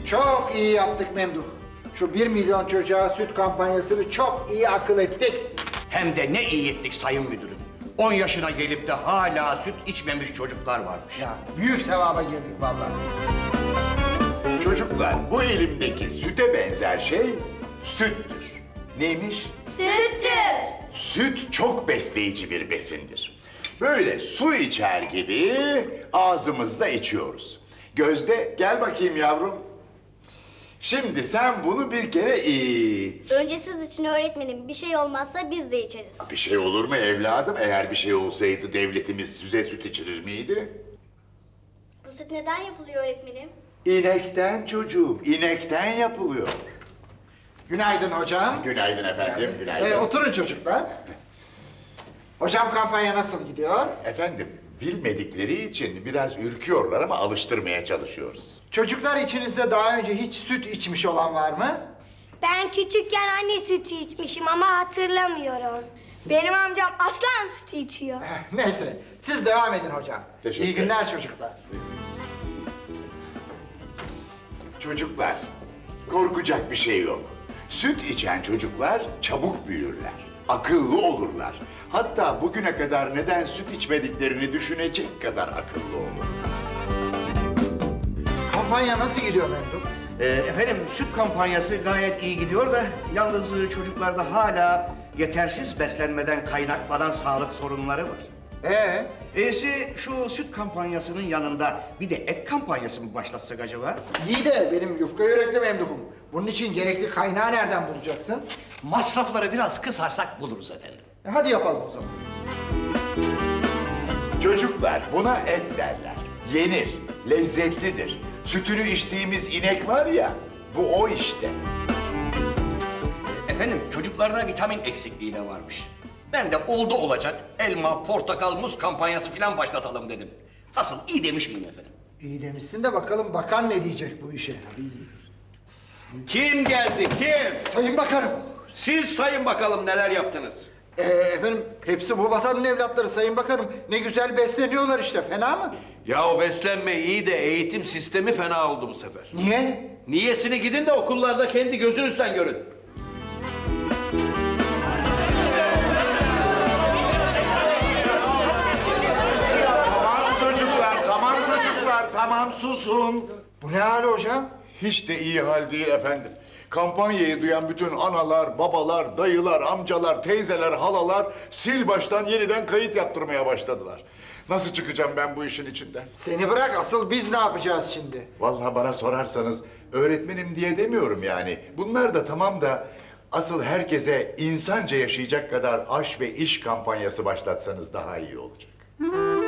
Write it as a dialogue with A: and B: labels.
A: Çok iyi yaptık Memduh. Şu 1 milyon çocuğa süt kampanyasını çok iyi akıl ettik.
B: Hem de ne iyi ettik sayın müdürüm. 10 yaşına gelip de hala süt içmemiş çocuklar varmış.
A: Ya büyük sevaba girdik vallahi.
C: Çocuklar, bu elimdeki süte benzer şey süttür. Neymiş?
D: Süttür.
C: Süt çok besleyici bir besindir. Böyle su içer gibi ağzımızda içiyoruz. Gözde, gel bakayım yavrum. Şimdi sen bunu bir kere iç.
D: Önce siz için öğretmenim, bir şey olmazsa biz de içeriz.
C: Bir şey olur mu evladım? Eğer bir şey olsaydı devletimiz size süt içirir miydi?
D: Bu süt neden yapılıyor öğretmenim?
C: İnekten çocuğum, inekten yapılıyor.
A: Günaydın hocam.
C: Günaydın efendim, günaydın.
A: Oturun çocuklar. Hocam kampanya nasıl gidiyor?
C: Efendim, bilmedikleri için biraz ürküyorlar ama alıştırmaya çalışıyoruz.
A: Çocuklar içinizde daha önce hiç süt içmiş olan var mı?
E: Ben küçükken anne sütü içmişim ama hatırlamıyorum. Benim amcam aslan sütü içiyor.
A: Neyse, siz devam edin hocam.
C: Teşekkür
A: İyi günler çocuklar.
C: Çocuklar, korkacak bir şey yok. Süt içen çocuklar çabuk büyürler, akıllı olurlar. Hatta bugüne kadar neden süt içmediklerini düşünecek kadar akıllı olur.
A: Kampanya nasıl gidiyor Memduh?
B: Efendim süt kampanyası gayet iyi gidiyor da yalnız çocuklarda hala yetersiz beslenmeden kaynaklanan sağlık sorunları var. Şu süt kampanyasının yanında bir de et kampanyası mı başlatsak acaba?
A: İyi de benim yufka yürekli Memduh'um. Bunun için gerekli kaynağı nereden bulacaksın?
F: Masrafları biraz kısarsak buluruz efendim.
A: Hadi yapalım o zaman.
C: Çocuklar, buna et derler. Yenir, lezzetlidir. Sütünü içtiğimiz inek var ya, bu o işte.
B: Efendim çocuklarda vitamin eksikliği de varmış. Ben de oldu olacak elma, portakal, muz kampanyası falan başlatalım dedim. Nasıl iyi demiş miyim efendim?
A: İyi demişsin de bakalım bakan ne diyecek bu işe?
F: Kim geldi, kim?
A: Sayın Bakanım.
F: Siz sayın bakalım neler yaptınız.
A: Efendim hepsi bu vatanın evlatları Sayın Bakanım. Ne güzel besleniyorlar işte, fena mı?
F: Ya o beslenme iyi de eğitim sistemi fena oldu bu sefer.
A: Niye?
F: Niyesini gidin de okullarda kendi gözünüzden görün.
C: Tamam çocuklar, tamam susun.
A: Bu ne hali hocam?
C: Hiç de iyi hal değil efendim. Kampanyayı duyan bütün analar, babalar, dayılar, amcalar, teyzeler, halalar sil baştan yeniden kayıt yaptırmaya başladılar. Nasıl çıkacağım ben bu işin içinden?
A: Seni bırak, asıl biz ne yapacağız şimdi?
C: Vallahi bana sorarsanız öğretmenim diye demiyorum yani. Bunlar da tamam da asıl herkese insanca yaşayacak kadar aş ve iş kampanyası başlatsanız daha iyi olacak.